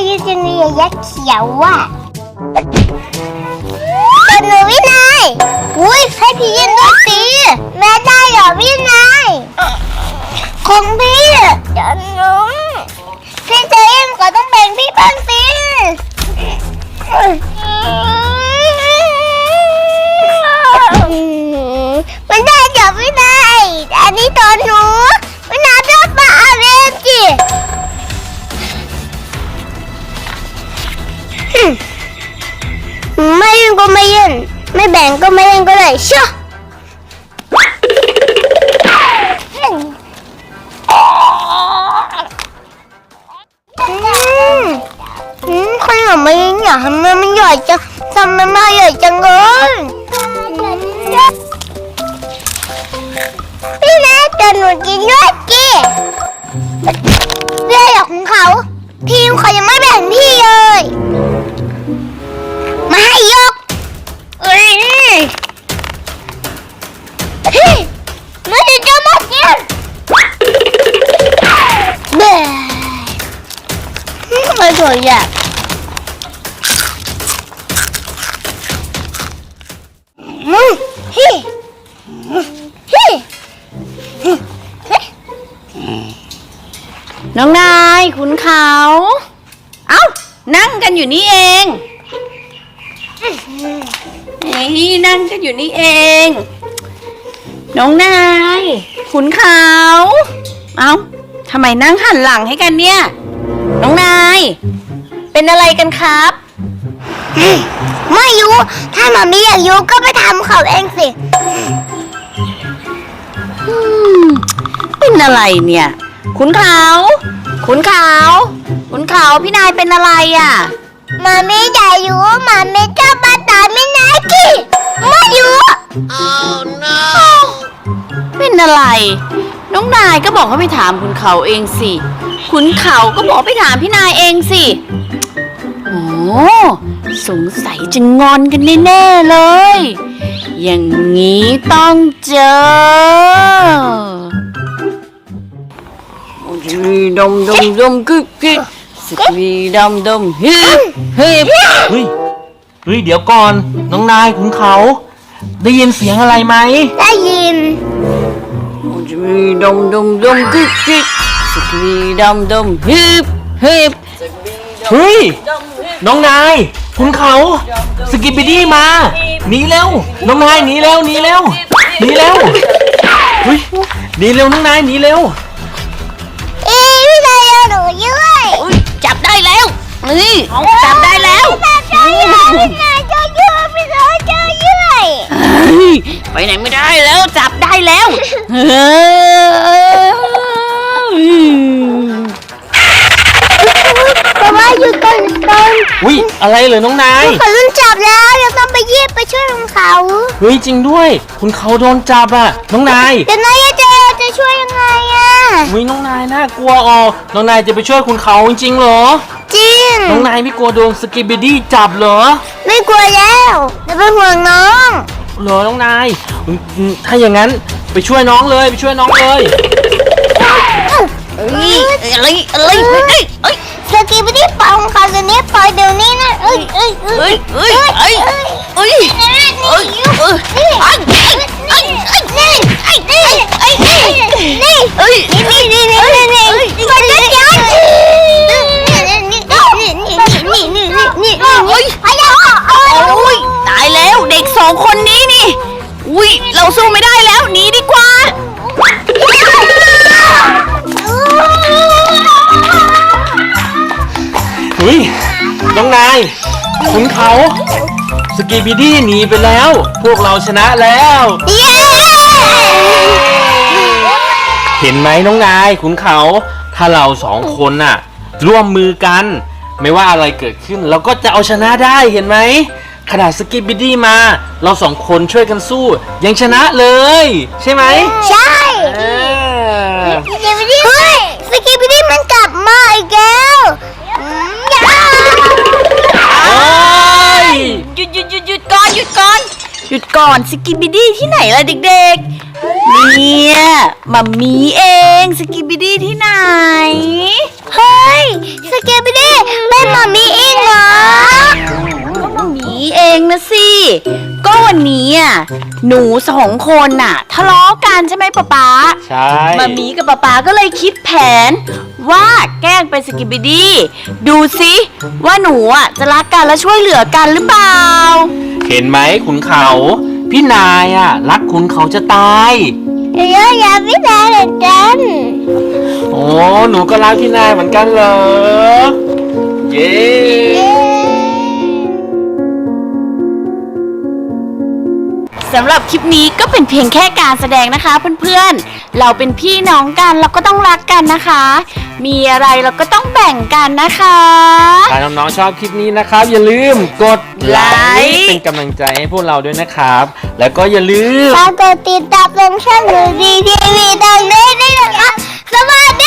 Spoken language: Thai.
ยืนจะมียักษ์เขียวอ่ะแต่หนูวินัยอุ้ยให้พี่ยืนด้วยสิแม่ได้เหรอวินัยของพี่เดี๋ยวหนูพี่เจมก็ต้องแบ่งพี่บ้างสิไม่ได้เดี๋ยววินัยอันนี้ตัวหนูวินัยจะมาเอาเองสิไม่ยื่นก็ไม่ยื่นไม่แบ่งก็ไม่เล่นก็ได้เชื่อขนมไม่อยากทำมันใหญ่จังทำมันมาใหญ่จังเลยพี่นะจะหนูกินด้วยจีเรื่องของเขาทีมเขายังไม่แบ่งพี่เลยมาให้ยกไม่ได้จะมากินเบ้ไม่สวยอ่ะน้องนายขุนเขาเอ้านั่งกันอยู่นี่เองนั่งกันอยู่นี่เองน้องนายขุนเขาเอ้าทำไมนั่งหันหลังให้กันเนี่ยน้องนายเป็นอะไรกันครับไม่รู้ถ้าหมามีอยากรู้ก็ไปทำเขาเองสิเป็นอะไรเนี่ยขุนเขาขุนเขาขุนเขาพี่นายเป็นอะไรอ่ะหมามีอยากรู้หมามีจะมาตามไม่นายกี่ไม่รู้ Oh no เป็นอะไรน้องนายก็บอกให้ไปถามขุนเขาเองสิขุนเขาก็บอกไปถามพี่นายเองสิโอ้สงสัยจะงอนกันแน่ๆเลยอย่างนี้ต้องเจอดมดมดมกึกกึกสกีดมดมฮิปฮิปเฮ้ยเดี๋ยวก่อนน้องนายขุนเขาได้ยินเสียงอะไรไหมได้ยินดมดมดมกึกกึกสกีดมดมฮิปฮิปเฮ้ยน้องนายขุนเขาสกิปปิดี้มาหนีเร็วน้องนายหนีเร็วหนีเร็วหนีเร็วเฮ้ยหนีเร็วน้องนายหนีเร็วพี่นายเอาหนูด้วยจับได้แล้วนี่จับได้แล้วพี่นายจะยืดพี่นายจะยืดไปไหนไม่ได้แล้วจับได้แล้วแต่ว่าหยุดก่อนอุ้ยอะไรเหรอน้องนายเขาโดนจับแล้วเราต้องไปยีบไปช่วยเขาเฮ้ยจริงด้วยคุณเขาโดนจับอ่ะน้องนายแต่นายจะช่วยยังไงอ่ะอุ้ยน้องนายน่ากลัวอ๋อน้องนายจะไปช่วยคุณเขาจริงเหรอจริงน้องนายไม่กลัวโดนสกิปปิดี้จับเหรอไม่กลัวแล้วจะเป็นห่วงน้องเหรอน้องนายถ้าอย่างนั้นไปช่วยน้องเลยไปช่วยน้องเลยอะไรสกิปปี้ปองเขาจะนี้ปล่อยเดี๋ยวนี้นะตายแล้วเด็กสองคนนี้นี่อุ้ยเราสู้ไม่ได้แล้วหนีดีกว่าเฮ้ยน้องนายขุนเขาสกิปปิดี้หนีไปแล้วพวกเราชนะแล้วเห็นไหมน้องนายขุนเขาถ้าเราสองคนน่ะร่วมมือกันไม่ว่าอะไรเกิดขึ้นเราก็จะเอาชนะได้เห็นไหมขนาดสกิปปิดี้มาเราสองคนช่วยกันสู้ยังชนะเลยใช่ไหมใช่สกิปปิดี้มันกลับมาอีกแล้วหยุดก่อนหยุดก่อนสกิปปิดี้ที่ไหนล่ะเด็กๆเนี่ยมัมมี่เองสกิปปิดี้ที่ไหนเฮ้ยสกิปปิดี้เป็นมัมองนะสิ ก็วันนี้อ่ะหนูสองคนน่ะทะเลาะกันใช่ไหมป๊าป๊าใช่มามีกับป๊าป๊าก็เลยคิดแผนว่าแกล้งเป็นสกิปปิดี้ดูสิว่าหนูอ่ะจะรักกันและช่วยเหลือกันหรือเปล่าเห็นไหมขุนเขา พี่นายอ่ะรักขุนเขาจะตายเดี๋ยวอย่าพี่นายเหมือนกันโอ้หนูก็รักพี่นายเหมือนกันเหรอ เย้สำหรับคลิปนี้ก็เป็นเพียงแค่การแสดงนะคะเพื่อนๆ เราเป็นพี่น้องกันเราก็ต้องรักกันนะคะ มีอะไรเราก็ต้องแบ่งกันนะคะถ้าน้องๆชอบคลิปนี้นะครับ อย่าลืมกดไลค์เป็นกำลังใจให้พวกเราด้วยนะครับ แล้วก็อย่าลืมฝากกดติดตามลงช่องหนูดีทีวีดังนี้ด้วยนะคะสวัส